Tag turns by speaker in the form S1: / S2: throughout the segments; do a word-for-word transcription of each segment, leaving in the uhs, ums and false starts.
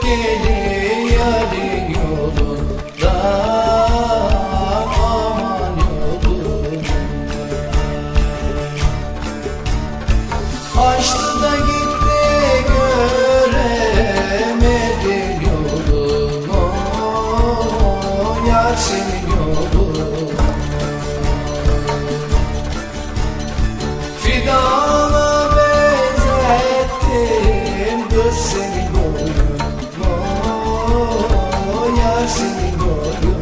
S1: Gelin yarın yolunda, aman yolunda. Açtı da gitti göremedim yolumu, yar senin yolun. Fidana benzettim kız senin boyumu, yar senin boyun.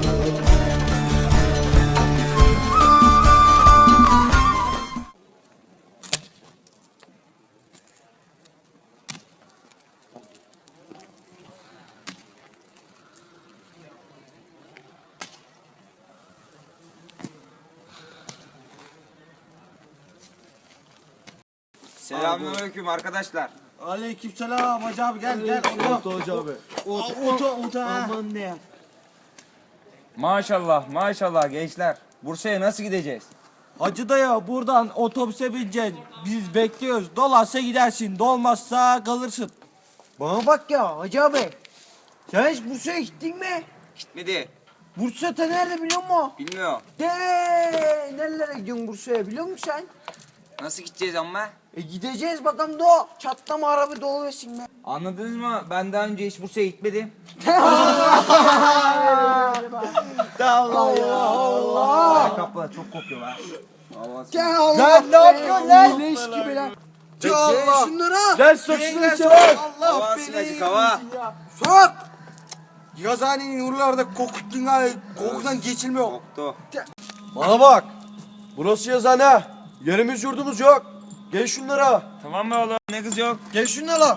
S2: Selamünaleyküm arkadaşlar.
S3: Aleykümselam hacı abi gel gel. Oto hacı abi. Oto oto oto ha. Aman ne?
S2: Maşallah maşallah gençler. Bursa'ya nasıl gideceğiz?
S3: Hacı dayı buradan otobüse bineceğiz. Biz bekliyoruz. Dolarsa gidersin. Dolmazsa kalırsın.
S4: Bana bak ya Hacı abi. Sen hiç Bursa'ya gittin mi?
S2: Gitmedi.
S4: Bursa ta nerede biliyor musun?
S2: Bilmiyor.
S4: De nerelere gidiyorsun Bursa'ya biliyor musun sen?
S2: Nasıl gideceğiz ama?
S4: E gideceğiz bakalım da o. Çatlama araba dolu versin be.
S2: Anladınız mı? Ben daha önce hiç Bursa'ya gitmedim.
S4: Allah ya Allah.
S2: Ayakkabılar çok kokuyor ha. Allah
S4: Ya Allah.
S3: Lan ne yapıyorsun lan?
S4: Leş gibi lan.
S3: Ya
S4: Ya
S3: Allah.
S4: şunlara.
S3: Gel sok şunu içeri.
S2: Hava silacık hava.
S4: Sok.
S3: Yazıhanenin oralarda kokuttun ha. Kokudan geçilmiyor.
S2: Koktu.
S3: Bana bak. Burası yazıhane. Yerimiz yurdumuz yok. Gel şunlara.
S2: Tamam mı oğlum? Ne kız yok?
S3: Gel şunlara.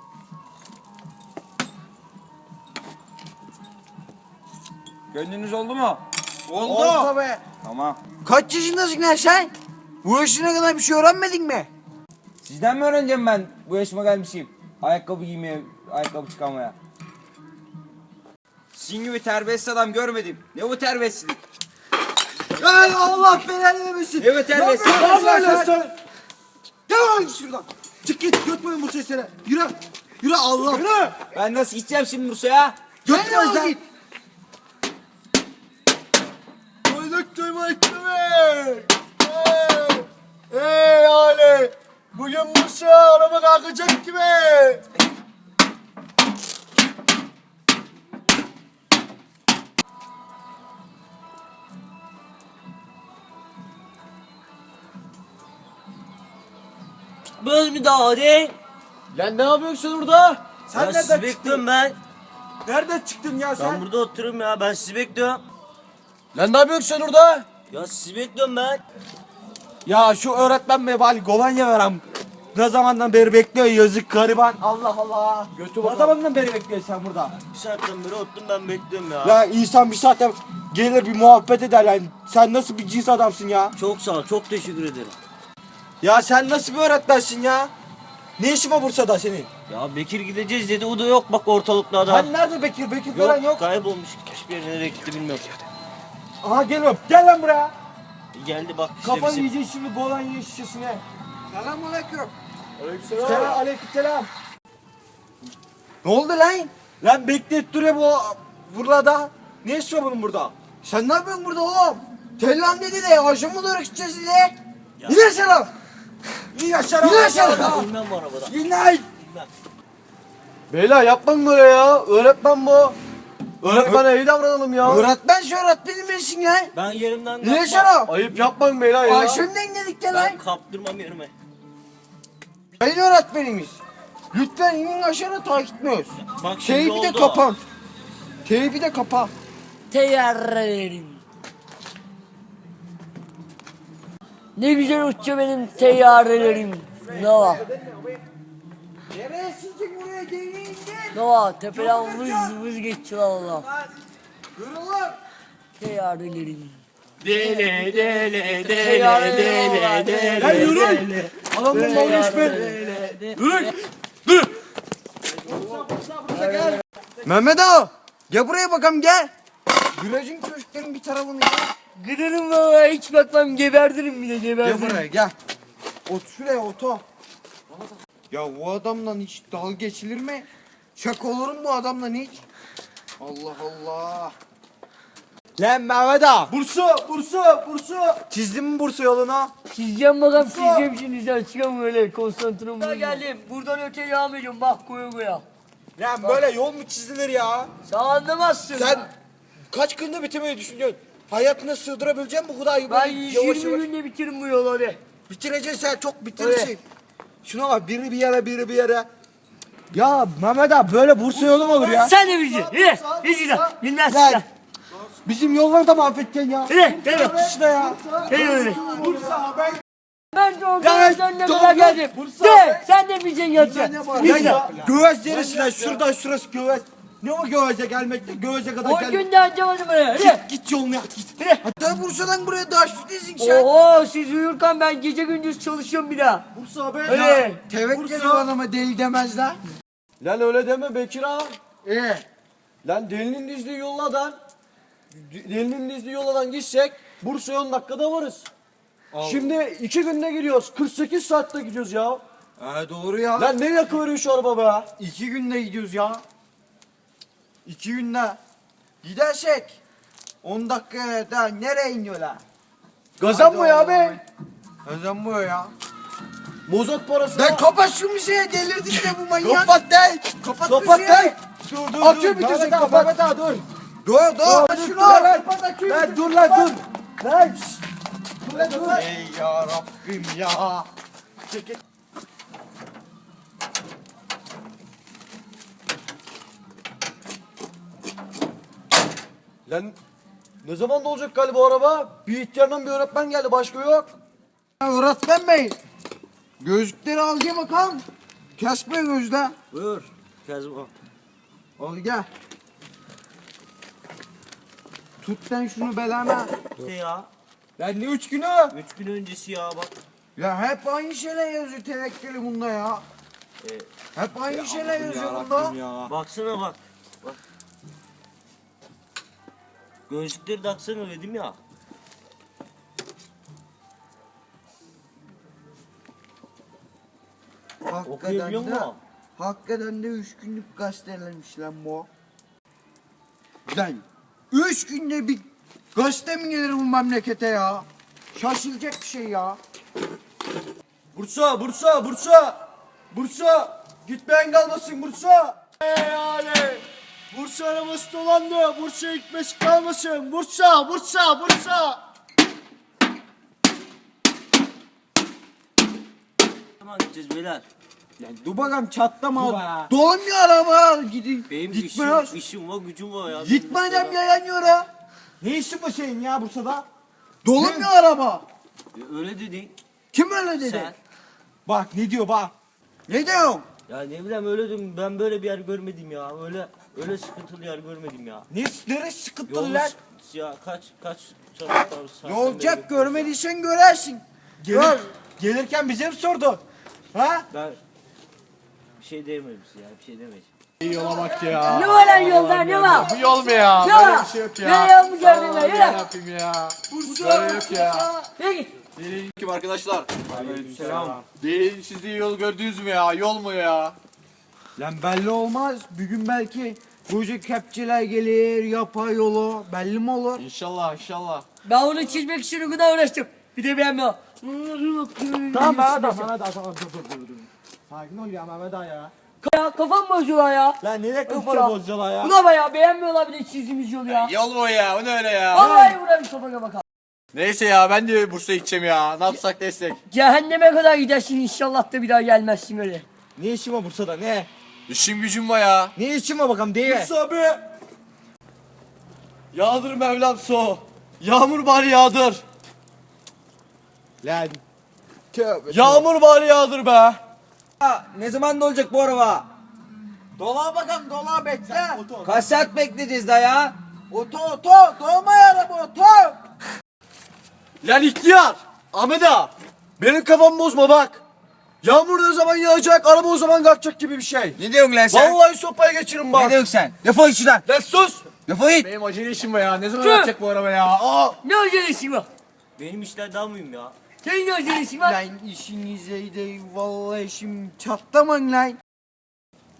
S2: Gönlünüz oldu mu?
S3: Oldu.
S4: be.
S2: Tamam.
S4: Kaç yaşındasın lan sen? Bu yaşına kadar bir şey öğrenmedin mi?
S2: Sizden mi öğreneceğim ben bu yaşıma gelmişim? Ayakkabı giymeye, ayakkabı çıkarmaya. Sizin gibi terbiyesiz adam görmedim. Ne bu terbiyesizlik?
S4: Ya Allah belanı vermesin.
S2: Ne bu terbiyesizlik?
S4: Ne yapıyorsun sen? Devam git şuradan.
S3: Çık git götmeyin bu sesleri. Yürü. Yürü Allah. Yürü.
S2: Ben nasıl gideceğim şimdi Bursa'ya?
S4: Götürmez lan.
S3: Koyduk duyma etme. Hey. Hey Ali. Bugün Bursa araba kalkacak gibi.
S5: Böyle mi daha hadi?
S3: Lan ne yapıyorsun orada? Sen
S5: Ben
S3: nereden
S5: sizi
S3: çıktın?
S5: bekliyorum ben.
S3: Nereden çıktın ya sen?
S5: Ben burada oturuyorum ya. Ben sizi bekliyorum.
S3: Lan ne yapıyorsun sen orada?
S5: Ya sizi bekliyorum ben.
S3: Ya şu öğretmen be bari kolonya verem. Ne zamandan beri bekliyor yazık gariban. Allah Allah. Götü ne zamandan beri bekliyorsun sen burada?
S5: Bir saatten beri oturdum ben bekliyorum ya.
S3: Ya insan bir saatte gelir bir muhabbet eder yani. Sen nasıl bir cins adamsın ya?
S5: Çok sağ ol. Çok teşekkür ederim.
S3: Ya sen nasıl bir öğretmensin ya? Ne işin var Bursa'da senin?
S5: Ya Bekir gideceğiz dedi. O da yok bak ortalıklarda.
S3: Hani nerede Bekir? Bekir falan yok.
S5: Kaybolmuş. Hiçbir yere nereye gitti bilmiyorum.
S3: Aha geliyorum. Gel lan buraya.
S5: Geldi bak işte
S3: Kafanı
S5: bizim.
S3: yiyeceksin şimdi kolonya şişesine.
S4: Selamünaleyküm.
S3: Selam. Aleykümselam.
S4: Ne oldu lan?
S3: Lan bekleyip duruyor bu burada. Ne işi var bunun burada?
S4: Sen ne yapıyorsun burada oğlum? Tellan dedi de aşağı mı doğru gideceğiz dedi. İn aşağı.
S3: İn aşağı.
S4: İn aşağı.
S5: Bilmem bu arabada.
S3: İn lan.
S5: Bilmem.
S3: Beyler yapmayın böyle ya. Öğretmen bu. Öğretmene iyi davranalım ya.
S4: Öğretmen şu öğretmenin bilsin ya.
S5: Ben yerimden
S4: İn
S5: kalkmam.
S4: aşağı.
S3: Ayıp yapmayın beyler ya.
S4: Aşağıdan dedik de lan.
S5: Ben kaptırmam yerime.
S4: Sayın öğretmenimiz. Lütfen inin aşağı takip etmiyoruz.
S5: Bak şimdi
S4: Teybi de
S5: oldu.
S4: kapan. Teybi de kapa.
S6: Teyyarelerim. Ne güzel uçuyor benim teyyarelerim. Nova.
S4: Nereye sizce buraya değneğin gel.
S6: Nova tepeden vız vız geçiyor valla.
S4: Kırılır.
S6: Teyyarelerim.
S5: Dele dele
S6: Teyyarelerim.
S5: dele
S3: Lan yürü. Adam bunun olmuş be. Yürü. Dur.
S4: Mehmet ağa. Gel buraya bakalım gel. Gülecin köşklerin bir tarafını gel.
S6: Giderim valla hiç bakmam geberdirim bile
S4: Gel
S6: geberdirim.
S4: buraya gel. Ot şuraya otur. Ya bu adamla hiç dalga geçilir mi? Şaka olur mu bu adamla hiç? Allah Allah.
S3: Lan Mehmet ağa. Bursa, Bursa, Bursa. Çizdin mi Bursa yolunu?
S6: Çizeceğim bakalım çizeceğim şimdi sen çıkalım öyle konsantrem. Ben geldim buradan öte devam ediyorum bak koya koya.
S3: Lan böyle yol mu çizilir ya?
S6: Sen anlamazsın.
S3: Sen kaç günde bitirmeyi düşünüyorsun? Hayatına sığdırabilecek misin bu kadar?
S6: Ben
S3: böyle yavaş
S6: yirmi
S3: yavaş-
S6: günde bitiririm bu yolu hadi.
S3: Bitireceksin sen, çok bitirirsin. Şuna bak, biri bir yere, biri bir yere. Ya Mehmet abi böyle Bursa yolu mu olur ya?
S6: Sen de bileceksin. Yürü. Yürü. Bilmezsin
S3: Lan.
S6: sen.
S3: Bizim yolları da mahvedeceksin ya.
S6: Yürü. Yürü.
S3: İşte ya.
S6: Yürü. Yürü.
S3: Bursa ben.
S6: Ben de
S3: Ya,
S6: oradan önüne
S3: doğru.
S6: kadar geldim.
S3: Bursa.
S6: De sen de bileceksin yatacaksın.
S3: Ya, ya Göğez neresi lan? Şuradan şurası Göğez. Ne o Göğez'e gelmekte? Göğez'e kadar
S6: O
S3: gel.
S6: gün de anlamadım buraya. Yürü.
S3: Git yolunu yap git.
S4: Hatta Bursa'dan buraya daha şutlesin sen.
S6: Oho siz uyurken ben gece gündüz çalışıyorum bir daha.
S3: Bursa abi.
S6: Öyle.
S4: Tevekkül o adama deli demezler.
S3: Lan öyle deme Bekir ağa.
S4: Ee,
S3: Lan delinin dizdiği yoldan, delinin dizdiği yoldan gitsek Bursa'ya on dakikada varız. Şimdi iki günde gidiyoruz. kırk sekiz saatte gidiyoruz ya.
S4: ha, doğru ya.
S3: Lan ne yakıveriyor şu araba be?
S4: İki günde gidiyoruz ya. İki günde. Gidersek on dakikaya da nereye iniyorlar?
S3: Gazan mı ya be?
S4: Neden bu ya?
S3: Mozot parası.
S4: Lan kapat şu müziği delirdin de bu manyak.
S3: Kapat de.
S4: Kapat
S3: Kapat
S4: müziği.
S3: de. Dur dur
S4: Akü
S3: dur.
S4: bitirecek,
S3: Mehmet ağa,
S4: kapat.
S3: Mehmet ağa, dur.
S4: Dur dur.
S3: Dur,
S4: Şunu
S3: Lan,
S4: al.
S3: lan, lan dur lan dur. Lan. şşt. Dur lan dur.
S4: Ey ya Rabbim ya.
S3: Çekil. Lan ne zaman da olacak galiba o araba? Bir ihtiyardan bir öğretmen geldi, başka yok.
S4: Ya öğretmen bey. Gözlükleri al gel bakalım. Kesme gözde.
S5: Buyur. Kazma.
S4: Al gel. Tut sen şunu belana.
S5: İşte ya.
S3: Lan ne üç günü?
S5: Üç gün öncesi ya bak.
S4: Ya hep aynı şeyler yazıyor tevekkülü bunda ya.
S5: E,
S4: Hep aynı şeyler yazıyor bunda.
S3: ya.
S5: baksana bak. Bak. Gözlükleri taksana dedim ya.
S4: Hakikaten
S5: Okuyabiliyor
S4: de,
S5: musun?
S4: hakikaten de üç günlük gazetelemiş lan bu. Lan üç günde bir gazete mi gelir bu memlekete ya? Şaşılacak bir şey ya.
S3: Bursa, Bursa, Bursa. Bursa. Gitmeyen kalmasın Bursa. Ey ale. Bursa arabası dolandı. Bursa gitmesi kalmasın. Bursa, Bursa, Bursa.
S5: Tamam gideceğiz beyler.
S3: Lan dur bakalım çatlama.
S4: Dolanmıyor araba gidin.
S5: Benim
S4: Gitmiyor.
S5: işim, işim var gücüm var ya.
S4: Gitmeden yayanıyor ha.
S3: Ne işin var senin ya Bursa'da?
S4: Dolanmıyor araba.
S5: E, Öyle dedin
S4: Kim öyle dedi?
S5: sen.
S3: Bak ne diyor bak.
S4: Ne diyorsun?
S5: Ya ne bileyim öyle dedim ben böyle bir yer görmedim ya. Öyle öyle sıkıntılı yer görmedim ya.
S3: Ne, neresi sıkıntılı
S5: Yolun
S3: lan?
S5: sıkıntısı ya kaç kaç çabuk
S4: Ne olacak görmediysen görersin. Gör.
S3: Gelirken bize mi sordu? Ha?
S5: Ben bir şey diyemedim size ya bir şey demedim.
S3: Yola bak ya.
S6: Ne var lan yolda ne var?
S3: Bu yol mu ya?
S6: Ne var? Ne yol mu gördün ben? Yürü.
S3: yapayım ya. Böyle yok ya.
S6: Yürü git.
S7: Selamünaleyküm arkadaşlar.
S3: Selam.
S7: Bir çizdiği yol gördünüz mü ya? Yol mu ya?
S4: Lan belli olmaz. Bir gün belki koca kepçeler gelir, yapay yolu. Belli mi olur?
S7: İnşallah inşallah.
S6: Ben onu çizmek için o kadar uğraştım. Bir de beğenmiyor.
S3: Tamam Mehmet ağa, Mehmet ağa, tamam dur dur dur. dur. Sakin ol ya Mehmet ağa ya.
S6: Ya kafam bozuyor ya.
S3: Lan nereye
S6: Yok
S3: kafanı
S6: ya.
S3: bozacaksın ya?
S6: Ulan ya beğenmiyorlar bir de çizdiğimiz yolu ya.
S7: Yol mu ya? O ne öyle ya?
S6: Vallahi vurarım kafana bakalım.
S7: Neyse ya ben de Bursa'ya gideceğim ya. Ne yapsak destek.
S6: Cehenneme kadar gidersin inşallah da bir daha gelmezsin öyle.
S3: Ne işin var Bursa'da ne?
S7: İşim gücüm var ya.
S3: Ne işin var bakalım değil mi?
S7: Bursa abi. Yağdır Mevlam so. Yağmur bari yağdır.
S3: Lan. Tövbe.
S7: Yağmur bari yağdır be.
S2: Ha, ne zaman da olacak bu araba?
S4: Dola bakalım dola bekle.
S2: Kaç saat bekleyeceğiz daha ya?
S4: Oto oto. Dolma araba oto.
S7: Lan ihtiyar. Ahmet ağa. Benim kafamı bozma bak. Yağmur ne zaman yağacak, araba o zaman kalkacak gibi bir şey.
S2: Ne diyorsun lan sen?
S7: Vallahi sopaya geçirin bak.
S2: Ne diyorsun sen? Defol git şuradan.
S7: Lan sus.
S2: Defol git.
S7: Benim acele işim var ya. Ne zaman
S6: Dur.
S7: yağacak bu araba ya? Aa.
S6: Ne acelesi var?
S5: Benim işler daha mühim ya.
S6: Senin ne acelesi var?
S4: Lan işinize de vallahi şimdi çatlamayın lan.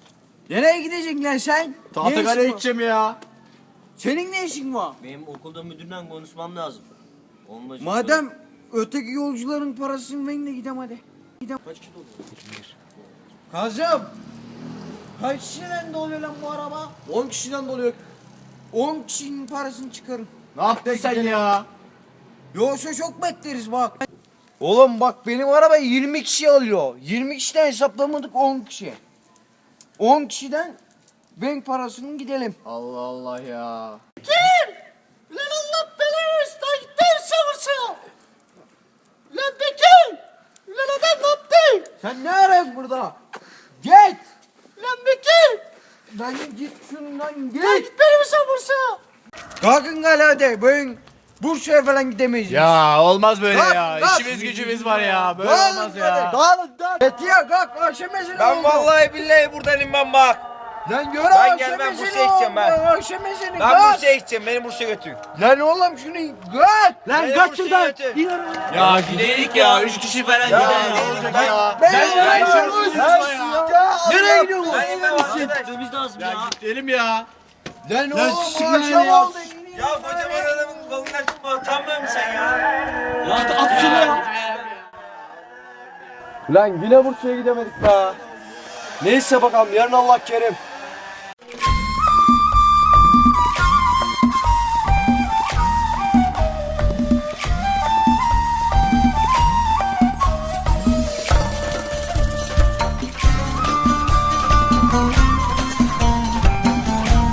S4: Nereye gideceksin lan sen? Ne işin
S7: Tahtakale'ye
S4: var?
S7: gideceğim ya.
S4: Senin ne işin var?
S5: Benim okulda müdürle konuşmam lazım. Onunla şimdi-
S4: Madem öteki yolcuların parasını verin de gidelim hadi. Gidelim.
S5: Kaç kilo oldu?
S4: Kazım. Kaç kişiden doluyor lan bu araba?
S3: on kişiden doluyor.
S4: on kişinin parasını çıkarın.
S7: Ne yaptın sen ya?
S4: Yoksa çok bekleriz bak. Oğlum bak benim araba yirmi kişi alıyor. yirmi kişiden hesaplamadık on kişi. on kişiden bank parasının gidelim.
S7: Allah Allah ya.
S3: Lan Allah belanı versin. Gitti savursa. Lan Bekir. Lan adam ne yaptı?
S4: Sen ne arıyorsun burada? Git.
S3: Lan Bekir.
S4: Lan git şundan git.
S3: Beni mi savursa?
S4: Kalkın gel hadi. Ben Bursa'ya falan gidemeyiz.
S7: Ya olmaz böyle
S4: Kalk,
S7: ya.
S4: kalk.
S7: İşimiz gücümüz var ya. Böyle
S4: Kalk,
S7: olmaz
S4: hadi.
S7: ya.
S3: Dağılın dağılın.
S4: Etiye kalk akşam ezanı
S2: Ben
S4: oldu.
S2: vallahi billahi buradan inmem bak.
S4: Lan gör
S2: Ben
S4: akşam
S2: gelmem,
S4: ezanı
S2: Bursa'ya gideceğim ben.
S4: oldu, Akşam ezanı
S2: Ben
S4: kalk.
S2: Bursa'ya gideceğim. Beni Bursa'ya götürün.
S4: Lan oğlum şunu kalk.
S3: Lan
S2: Beni
S3: kaç
S2: Bursa'ya
S3: şuradan.
S2: götür.
S3: İn arabaya.
S7: Ya gidelim ya. Üç kişi falan gidelim.
S2: gidelim.
S7: Olacak
S2: Ben-
S7: ya.
S4: Ben
S7: Ben
S4: ben
S7: ben
S4: ben-
S7: şunu
S4: ben-
S3: Nereye
S4: Allah
S3: gidiyorsun?
S2: Ben inmem arkadaş.
S5: Gitmemiz lazım
S7: Ya
S5: ya.
S7: gidelim ya.
S4: Lan
S7: Lan
S4: oğlum
S7: siktir
S4: akşam
S7: ya.
S4: oldu.
S2: Ya kocaman adamın kolundan tutma. Utanmıyor musun sen ya?
S5: Ya at şunu ya.
S3: Lan yine Bursa'ya gidemedik be. Neyse bakalım yarın Allah kerim.